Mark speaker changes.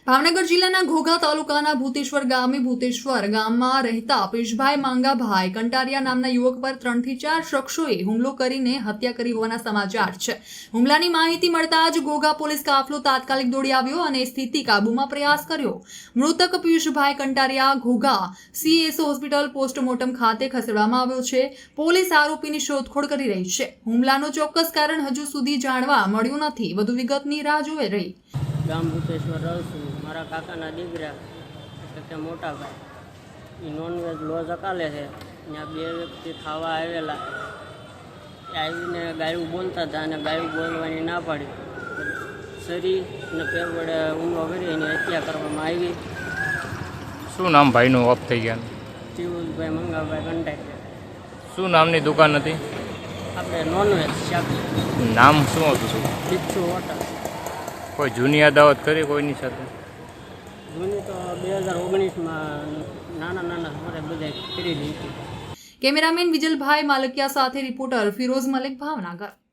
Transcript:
Speaker 1: ભાવનગર જિલ્લાના ઘોઘા તાલુકાના ભૂતેશ્વર ગામમાં રહેતા પેશભાઈ માંગાભાઈ કંટારિયા નામના યુવક પર 3 થી 4 શખ્સોએ હુમલો કરીને હત્યા કરી હોવાના સમાચાર છે। હુમલાની માહિતી મળતા જ ઘોઘા પોલીસ કાફલો તાત્કાલિક દોડી આવ્યો અને સ્થિતિ કાબૂમાં પ્રયાસ કર્યો। મૃતક Peshbhai Kantariya Ghogha CS hospital postmortem ખાતે ખસેડવામાં આવ્યો છે। પોલીસ આરોપીની શોધખોળ કરી રહી છે। હુમલાનું ચોક્કસ કારણ હજુ સુધી જાણવા મળ્યું નથી। વધુ વિગતની રાહ જોઈ રહી।
Speaker 2: ગામ ભૂતેશ્વર રહું છું। મારા કાકાના દીકરા એટલે કે મોટા ભાઈ એ નોનવેજ લોજ અકાલે છે। ત્યાં 2 વ્યક્તિ ખાવા આવેલા, આવીને ગાયું બોલતા હતા અને ગાયું બોલવાની ના પાડી, શરી અને પેર વડે હુમલો કરી એની હત્યા કરવામાં આવી।
Speaker 3: શું નામ ભાઈનું ઓફ થઈ ગયા?
Speaker 2: તિવુલભાઈ મંગાભાઈ કંટારિયા।
Speaker 3: શું નામની દુકાન હતી?
Speaker 2: આપણે નોનવેજ શાક।
Speaker 3: નામ શું હતું?
Speaker 2: બિચ્છુ હોટલ।
Speaker 3: કોઈ જૂની અદાવત કરી કોઈની સાથે?
Speaker 2: જૂની તો 2019માં નાના અમારે બધા કરી દીધી।
Speaker 1: કેમેરામેન વિજલભાઈ માલકિયા સાથે રિપોર્ટર ફિરોઝ મલિક, ભાવનગર।